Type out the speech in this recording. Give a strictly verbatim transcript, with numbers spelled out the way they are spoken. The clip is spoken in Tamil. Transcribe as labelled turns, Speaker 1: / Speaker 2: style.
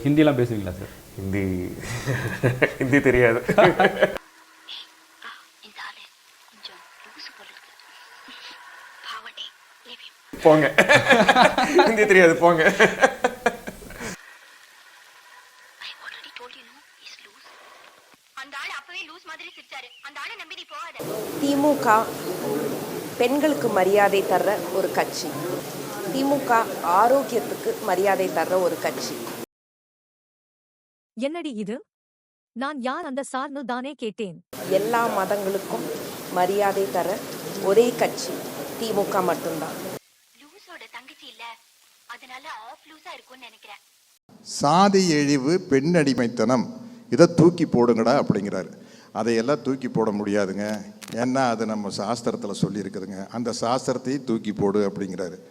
Speaker 1: ஹிந்திலாம் பேசுவீங்களா சார்?
Speaker 2: ஹிந்தி ஹிந்தி தெரியாது. போங்க, ஹிந்தி தெரியாது போங்க.
Speaker 3: திமுக பெண்களுக்கு மரியாதை தர்ற ஒரு கட்சி, திமுக ஆரோக்கியத்துக்கு மரியாதை தர்ற ஒரு கட்சி.
Speaker 4: என்னடி இது? நான் யார் அந்த சார்னு தானே கேட்டேன்.
Speaker 3: எல்லா மதங்களுக்கும் மரியாதை தர ஒரே கட்சி திமுக மட்டும்தான்.
Speaker 5: சாதி இழிவு, பெண் அடிமைத்தனம், இதை தூக்கி போடுங்கடா அப்படிங்கிறாரு. அதையெல்லாம் தூக்கி போட முடியாதுங்க, ஏன்னா அது நம்ம சாஸ்திரத்தில் சொல்லியிருக்குதுங்க. அந்த சாஸ்திரத்தையும் தூக்கி போடு அப்படிங்கிறாரு.